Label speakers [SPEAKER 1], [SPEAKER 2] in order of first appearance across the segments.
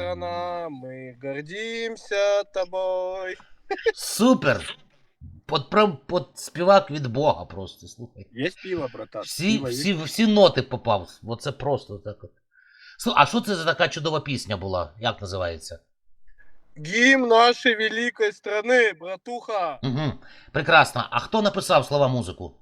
[SPEAKER 1] страна, мы гордимся тобой.
[SPEAKER 2] Супер! Под співак від Бога просто, слухай.
[SPEAKER 1] Есть пиво, братан?
[SPEAKER 2] Всі ноти попав. Оце просто так от. А що це за така чудова пісня була? Як називається?
[SPEAKER 1] Гимн нашей великой страны, братуха.
[SPEAKER 2] Угу. Прекрасно. А хто написав слова музику?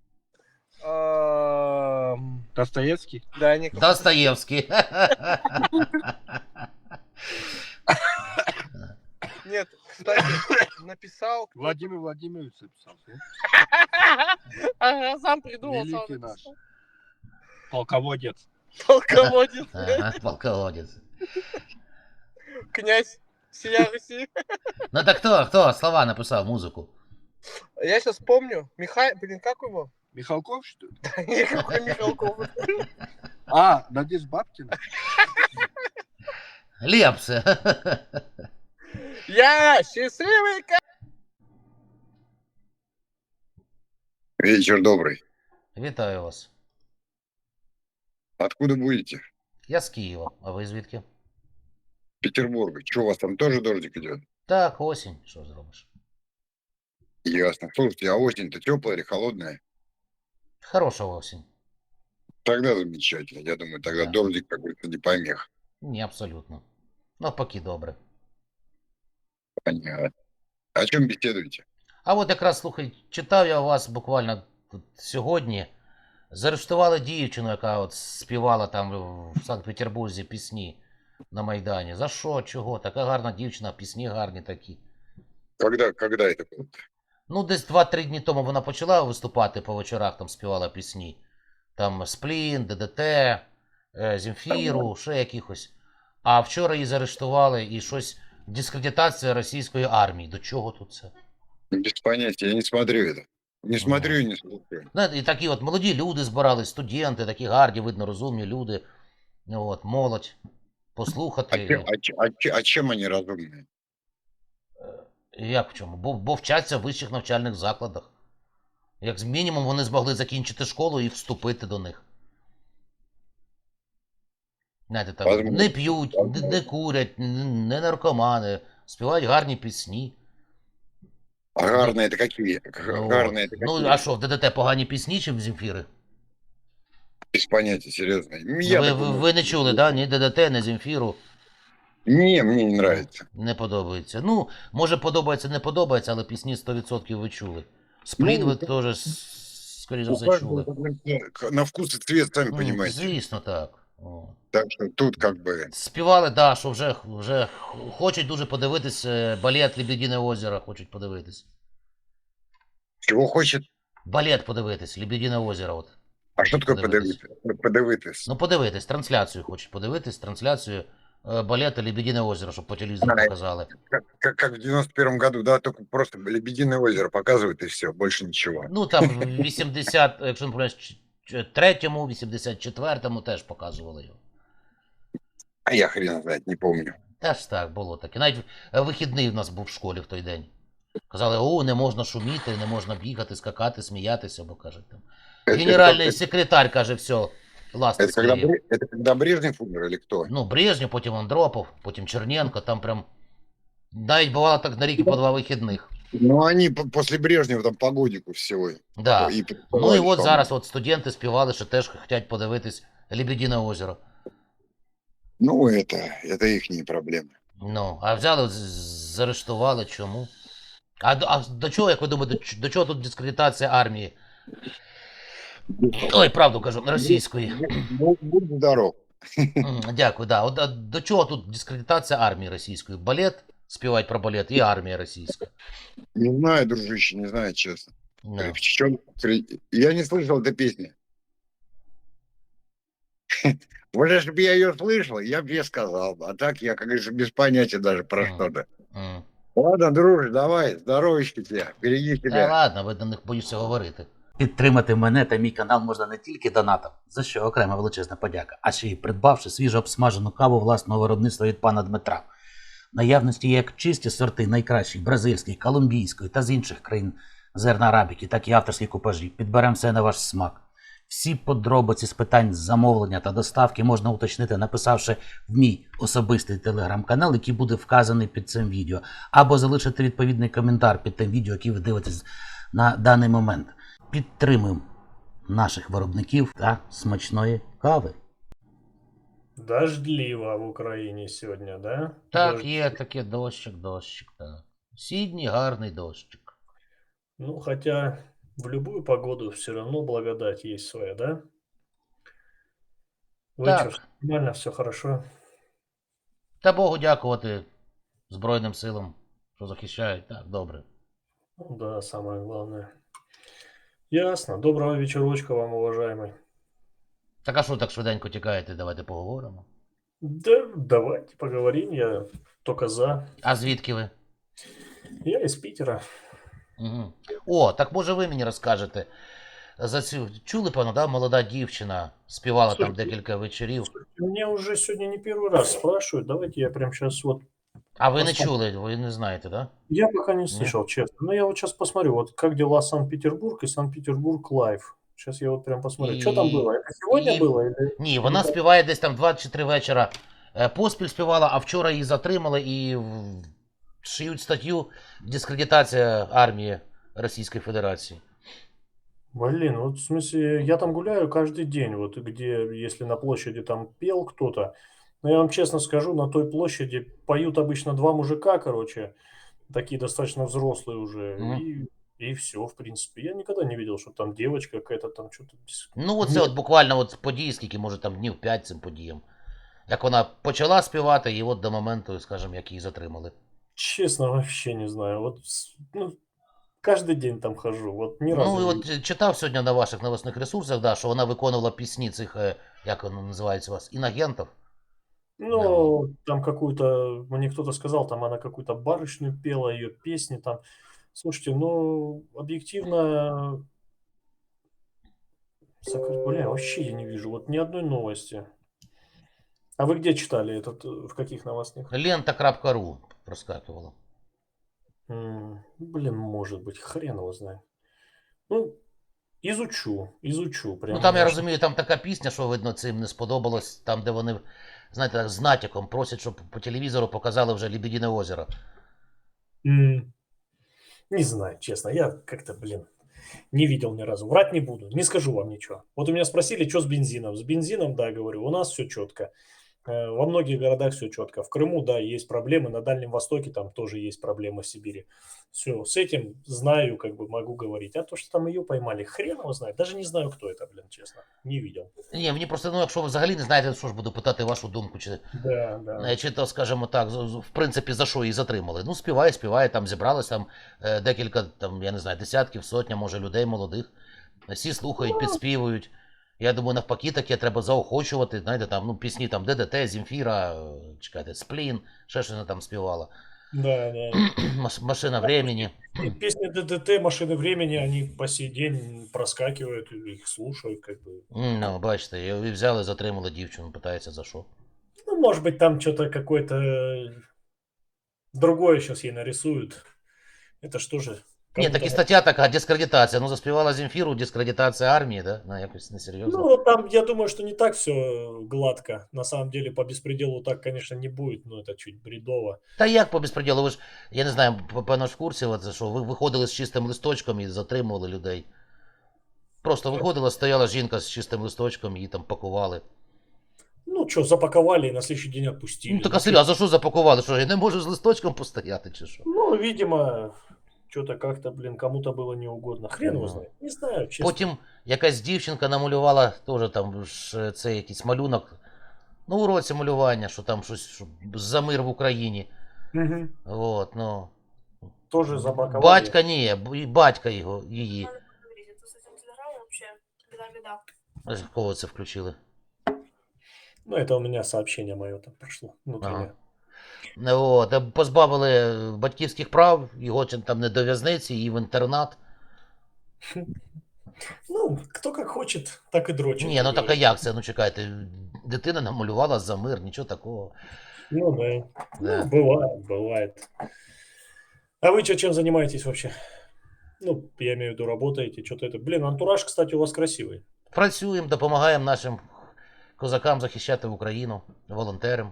[SPEAKER 1] Достоевский? Да, не.
[SPEAKER 2] Достоєвський.
[SPEAKER 1] Нет, кстати, написал.
[SPEAKER 3] Владимир Владимирович написал.
[SPEAKER 1] Ага, сам придумал.
[SPEAKER 3] Великий
[SPEAKER 1] сам
[SPEAKER 3] наш. Полководец.
[SPEAKER 1] Полководец.
[SPEAKER 2] Ага, полководець.
[SPEAKER 1] Князь сия Руси.
[SPEAKER 2] Ну так хто слова написав музику?
[SPEAKER 1] Я сейчас помню. Блин, как его?
[SPEAKER 3] Михалков, что ли?
[SPEAKER 1] Да никакой Михалков.
[SPEAKER 3] А, Надежда Бабкина.
[SPEAKER 2] Лепс.
[SPEAKER 1] Я счастливый.
[SPEAKER 4] Вечер добрый.
[SPEAKER 2] Вітаю вас.
[SPEAKER 4] Откуда будете?
[SPEAKER 2] Я з Києва, а ви звідки?
[SPEAKER 4] Петербурга. Что, у вас там тоже дождик идет?
[SPEAKER 2] Так, осінь, що зробиш?
[SPEAKER 4] Ясно. Слушайте, а осень-то теплая или холодная?
[SPEAKER 2] Хороша осінь.
[SPEAKER 4] Тогда замечательно. Я думаю, тогда
[SPEAKER 2] Да.
[SPEAKER 4] дождик какой-то не помех.
[SPEAKER 2] Ні, абсолютно. Навпаки, добре.
[SPEAKER 4] Понятно. О чем беседуете?
[SPEAKER 2] А от якраз, слухай, читав я у вас буквально тут сьогодні. Заарештували дівчину, яка от співала там в Санкт-Петербурзі пісні на Майдані. За що? Чого? Така гарна дівчина, пісні гарні такі.
[SPEAKER 4] Когда это было?
[SPEAKER 2] Ну, десь 2-3 дні тому вона почала виступати по вечорах, там співала пісні. Там Сплін, ДДТ, Земфіру, ще якихось. А вчора її заарештували і щось дискредитація російської армії. До чого тут це?
[SPEAKER 4] Без понятия. Я не смотрю это. Не смотрю и не слушаю.
[SPEAKER 2] Знаєте, і такі от молоді люди збирались, студенти, такі гарні, видно, розумні люди. От, молодь. Послухати.
[SPEAKER 4] А чем они разумные?
[SPEAKER 2] Як в чому? Бо вчаться в вищих навчальних закладах. Як мінімум вони змогли закінчити школу і вступити до них. Знаєте, так,
[SPEAKER 4] Возможно.
[SPEAKER 2] не п'ють, не курять, не наркомани, співають гарні пісні.
[SPEAKER 4] А гарные это какие? Гарные это
[SPEAKER 2] Ну,
[SPEAKER 4] какие?
[SPEAKER 2] а що, в ДДТ погані пісні чи в Земфіри?
[SPEAKER 4] Без понятия, серьезно. Я так думаю.
[SPEAKER 2] Ви не чули, да? Ні ДДТ, ні Земфіру.
[SPEAKER 4] Не, мне не нравится.
[SPEAKER 2] Не подобається. Ну, може подобається, не подобається, але пісні 100% ви чули. Сплін ви теж, скоріше
[SPEAKER 4] У
[SPEAKER 2] все, чули.
[SPEAKER 4] каждого на вкус и цвет, сами понимаете.
[SPEAKER 2] Звісно, так. О.
[SPEAKER 4] Так что тут как бы...
[SPEAKER 2] Співали, да, що вже хочуть дуже подивитись балет «Лебедине озеро», хочуть подивитись.
[SPEAKER 4] Чего хочет?
[SPEAKER 2] Балет подивитись, «Лебедине озеро». От.
[SPEAKER 4] А что такое подивитись?
[SPEAKER 2] Ну, подивитись, трансляцію хочуть подивитись, трансляцію балета «Лебедине озеро», щоб по телевізору показали.
[SPEAKER 4] Как в 91-м году, да, только просто Лебединое озеро показывают и все, больше ничего.
[SPEAKER 2] Ну, там в 80, якщо не помиляюсь, 3-му, 84-му теж показували його.
[SPEAKER 4] А я хрен знает, не помню.
[SPEAKER 2] Теж так, було таке. Навіть вихідний в нас був в школі в той день. Казали, не можна шуміти, не можна бігати, скакати, сміятися, бо, каже, там. Генеральний секретар, каже, все, ласти
[SPEAKER 4] Это когда Брежнев умер или кто?
[SPEAKER 2] Ну, Брежнєв, потім Андропов, потім Черненко, там прям... Навіть бувало так на рік по 2 вихідних.
[SPEAKER 4] Ну, они после Брежнева там по годику всего.
[SPEAKER 2] Да.
[SPEAKER 4] И
[SPEAKER 2] Ну і от зараз от студенти співали, що теж хочуть подивитись «Лебедине озеро».
[SPEAKER 4] Ну, это их проблемы.
[SPEAKER 2] Ну, а взяли, заарештували, чому? А до чого, як ви думаєте, до чого тут дискредитація армії? Ой, правду кажу, російської.
[SPEAKER 4] Будь здоров.
[SPEAKER 2] Дякую, да. От до чого тут дискредитація армії російської? Балет, співають про балет, і армія російська.
[SPEAKER 4] Не знаю, дружище, не знаю, честно.
[SPEAKER 2] Ну.
[SPEAKER 4] Я не слышал этой песни. Вот если бы я ее слышал, я бы ей сказал. А так я, как говорится, без понятия даже про что-то. Ладно, друже, давай, здоровечки тебе, береги
[SPEAKER 2] Та
[SPEAKER 4] себя.
[SPEAKER 2] ладно, ви до них боюся говорити. Підтримати мене та мій канал можна не тільки донатом, за що окрема величезна подяка, а ще й придбавши свіжо обсмажену каву власного виробництва від пана Дмитра. В наявності є як чисті сорти найкращих бразильської, колумбійської та з інших країн зерна арабіки, так і авторські купажі. Підберемо все на ваш смак.
[SPEAKER 5] Всі подробиці з питань замовлення та доставки можна уточнити, написавши в мій особистий телеграм-канал, який буде вказаний під цим відео, або залишити відповідний коментар під тим відео, яке ви дивитесь на даний момент. Підтримуємо наших виробників та смачної кави.
[SPEAKER 6] Дождливо в Україні сьогодні, да?
[SPEAKER 2] Так, є таке дощик, так. Сьогодні гарний дощик.
[SPEAKER 6] Ну, хотя в любую погоду все равно благодать есть своя, да? Вы
[SPEAKER 2] Так.
[SPEAKER 6] что, нормально, все хорошо?
[SPEAKER 2] Та Богу дякувати Збройним силам, що захищають. Так, добре.
[SPEAKER 6] Ну да, самое главное. Ясно. Доброго вечерочка вам, уважаемый.
[SPEAKER 2] Так а що так швиденько тікаєте? Давайте поговоримо.
[SPEAKER 6] Да, давайте поговорим, я только за.
[SPEAKER 2] А звідки ви?
[SPEAKER 6] Я из Питера.
[SPEAKER 2] Угу. О, так може ви мені розкажете. За цю чули, певно, да? Молода дівчина співала там
[SPEAKER 6] Слушайте,
[SPEAKER 2] декілька вечорів.
[SPEAKER 6] Меня уже сегодня не первый раз спрашивают. Давайте я прям сейчас вот...
[SPEAKER 2] А ви не
[SPEAKER 6] Посмотрим.
[SPEAKER 2] чули, ви не знаєте, да?
[SPEAKER 6] Я пока не слышал, честно. Но я вот сейчас посмотрю, вот как дела Санкт-Петербург и Санкт-Петербург Лайв. Сейчас я вот прям посмотрю. Что там
[SPEAKER 2] И-
[SPEAKER 6] было? Это сегодня
[SPEAKER 2] и-
[SPEAKER 6] было? Или...
[SPEAKER 2] Ні, вона співає десь там 2 чи 3 вечора поспіль співала, а вчора її затримали і шиють статтю «Дискредитація армії Російської Федерації».
[SPEAKER 6] Блин, вот в смысле, я там гуляю каждый день, вот где, если на площади там пел кто-то, но я вам честно скажу, на той площади поют обычно два мужика, короче, такие достаточно взрослые уже,
[SPEAKER 2] Мгм.
[SPEAKER 6] и все, в принципе. Я никогда не видел, что там девочка какая-то там что-то...
[SPEAKER 2] Ну, оце
[SPEAKER 6] Ні.
[SPEAKER 2] от буквально от події, скільки, може, там днів 5 цим подіям. Як вона почала співати, і от до моменту, скажімо, як її затримали.
[SPEAKER 6] Честно, вообще не знаю. Вот, ну, каждый день там хожу. Вот ни разу
[SPEAKER 2] Ну, і
[SPEAKER 6] не
[SPEAKER 2] от читав сьогодні на ваших новосних ресурсах, да, що вона виконувала пісні цих, як воно називається у вас, інагентів.
[SPEAKER 6] Ну, там какую-то, мне кто-то сказал, там она какую-то барышню пела, ее песни там. Слушайте, ну, объективно, бля, вообще я не вижу, вот ни одной новости. А вы где читали этот, в каких новостных?
[SPEAKER 2] Лента.ру проскакивала.
[SPEAKER 6] Блин, может быть, хрен его знает. Ну, изучу прям.
[SPEAKER 2] Ну там я
[SPEAKER 6] знаешь.
[SPEAKER 2] розумію, там така пісня, що видно, цим не сподобалось, там, де вони, знаєте, так, з натяком просять, щоб по телевізору показали вже Лебедине озеро.
[SPEAKER 6] Не знаю, честно, я как-то, блин, не видел ни разу. Врать не буду, не скажу вам ничего. Вот у меня спросили, что с бензином. С бензином, да, говорю, у нас все четко. Во многих городах все четко. В Крыму, да, есть проблемы. На Дальнем Востоке там тоже есть проблемы в Сибири. Все, с этим знаю, как бы могу говорить. А то, что там ее поймали, хрен его знает. Даже не знаю, кто это, блин, честно. Не видел.
[SPEAKER 2] Ні, мені просто, ну, якщо ви взагалі не знаєте, що ж буду питати вашу думку,
[SPEAKER 6] Да.
[SPEAKER 2] чи то, скажімо так, в принципі, за що її затримали. Ну, співає, там зібралось там декілька, там, я не знаю, десятків, сотня, може, людей молодих. Всі слухають, підспівують. Я думаю, навпаки, таке треба заохочувати, знаєте, там, ну, пісні там ДДТ, Земфіра, чекайте, Сплін, ще щось вона там співала.
[SPEAKER 6] Да.
[SPEAKER 2] Машина времени.
[SPEAKER 6] И песни ДДТ, машины времени, они по сей день проскакивают, их слушают, как бы.
[SPEAKER 2] Ну, бачите, і взяли, затримали дівчину, питається за що.
[SPEAKER 6] Ну, может быть, там что-то какое-то другое сейчас ей нарисуют. Это что же?
[SPEAKER 2] Ні, так і стаття така, дискредитація. Ну, заспівала Земфіру, дискредитація армії, да? Ну, якось несерйозно.
[SPEAKER 6] Ну, там, я думаю, что не так все гладко. На самом деле, по беспределу так, конечно, не будет, но это чуть бредово.
[SPEAKER 2] Та як по безпреділу? Ви ж, я не знаю, певно ж в курсі, от, що ви виходили з чистим листочком і затримували людей. Просто виходила, стояла жінка з чистим листочком, її там пакували.
[SPEAKER 6] Ну, что, запаковали и на следующий день отпустили.
[SPEAKER 2] Ну, так а селя, а за що запакували? Що, я не можу з листочком постояти, чи що?
[SPEAKER 6] Ну, видимо, что-то как-то, блин, кому-то было неугодно. Хрен его знает. Не знаю, честно.
[SPEAKER 2] Потім якась дівчинка намалювала теж там ж, це якийсь малюнок. Ну, уроці малювання, що там щось що за мир в Україні.
[SPEAKER 6] Мгм.
[SPEAKER 2] От, ну.
[SPEAKER 6] Тоже запаковали.
[SPEAKER 2] Батька ні, і батька його, її.
[SPEAKER 7] Надо поговорить, а то с этим телеграммом вообще беда-беда.
[SPEAKER 2] Ось кого це включили?
[SPEAKER 6] Ну, это у меня сообщение мое там прошло внутреннее.
[SPEAKER 2] От, позбавили батьківських прав, його чи там не до в'язниці, і в інтернат.
[SPEAKER 6] Ну, кто как хочет, так и дрочит.
[SPEAKER 2] Ні,
[SPEAKER 6] как
[SPEAKER 2] ну так а
[SPEAKER 6] говорится.
[SPEAKER 2] як це? Ну чекайте, дитина намалювала за мир, нічого такого.
[SPEAKER 6] Ну, да.
[SPEAKER 2] Да.
[SPEAKER 6] Ну, бывает. А вы чем занимаетесь вообще? Ну, я имею в виду, работаете, что-то это. Блин, антураж, кстати, у вас красивый.
[SPEAKER 2] Працюємо, допомагаємо нашим козакам захищати Україну, волонтерам.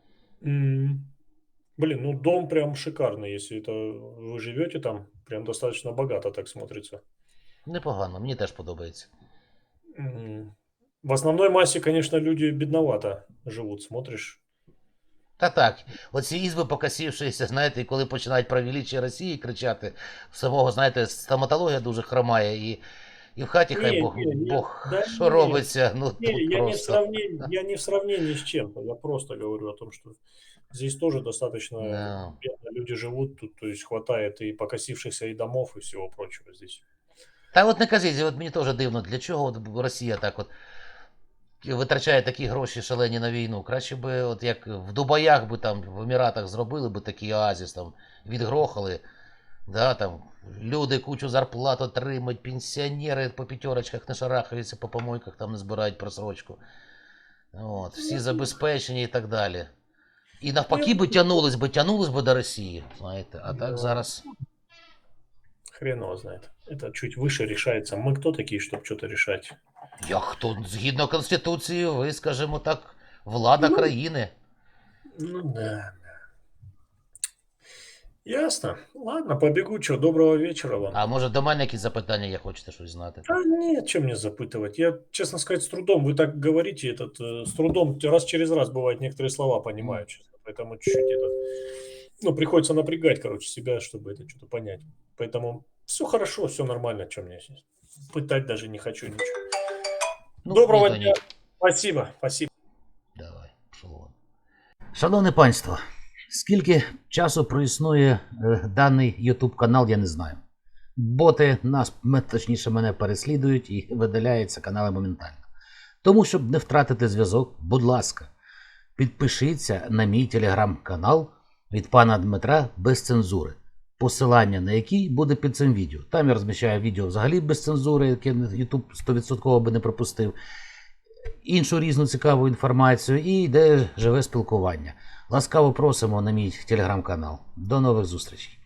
[SPEAKER 6] Блин, ну дом прям шикарный, если это вы живете там, прям достаточно богато так смотрится.
[SPEAKER 2] Непогано, мені теж подобається.
[SPEAKER 6] В основной массе, конечно, люди бедновато живут, смотришь.
[SPEAKER 2] Та так, оці ізби покосившися, знаєте, і коли починають про величие Росії кричати, самого, знаєте, стоматологія дуже хромає, і в хаті хай Бог
[SPEAKER 6] да
[SPEAKER 2] що
[SPEAKER 6] не,
[SPEAKER 2] робиться, ну тут
[SPEAKER 6] я
[SPEAKER 2] просто.
[SPEAKER 6] я не в сравнении с чем-то, я просто говорю о том, что здесь тоже достаточно
[SPEAKER 2] Да.
[SPEAKER 6] бедно люди живут, тут, то есть хватает и покосившихся и домов, и всего прочего здесь.
[SPEAKER 2] Та от не кажіть, от мені теж дивно, для чого от Росія так от витрачає такі гроші шалені на війну. Краще би, от як в Дубаях би там, в Еміратах зробили би такий оазіс, там, відгрохали, да, там, люди кучу зарплат отримають, пенсіонери по п'ятерочках не шарахаються, по помойках там не збирають просрочку. От, всі забезпечені і так далі. І навпаки би тянулись би до Росії, знаєте, а так зараз...
[SPEAKER 6] Хрен его знает. Это чуть выше решается. Мы кто такие, чтобы что-то решать?
[SPEAKER 2] Як хто, згідно Конституції, ви, скажімо так, влада країни.
[SPEAKER 6] Ну да. Ясно. Ладно, побегу. Что, доброго вечера вам.
[SPEAKER 2] А може до мене якісь запитання, я хочете щось знати?
[SPEAKER 6] Да нет, чем мне запытывать. Я, честно сказать, с трудом. Вы так говорите, с трудом, раз через раз бывает некоторые слова понимаю, честно. Поэтому чуть-чуть ну, приходится напрягать, короче, себя, чтобы это что-то понять. Поэтому все хорошо, все нормально, что мне сейчас. Пытать даже не хочу ничего.
[SPEAKER 2] Ну,
[SPEAKER 6] Доброго
[SPEAKER 2] ні, то
[SPEAKER 6] дня.
[SPEAKER 2] ні.
[SPEAKER 6] Спасибо, спасибо.
[SPEAKER 2] Давай, пішов вон.
[SPEAKER 5] Шановне панство, скільки часу проіснує даний YouTube канал, я не знаю. Боти точніше мене переслідують і видаляються канали моментально. Тому, щоб не втратити зв'язок, будь ласка, підпишіться на мій телеграм-канал від пана Дмитра без цензури, посилання на який буде під цим відео. Там я розміщаю відео взагалі без цензури, яке YouTube 100% би не пропустив, іншу різну цікаву інформацію і йде живе спілкування. Ласкаво просимо на мій телеграм-канал. До нових зустрічей.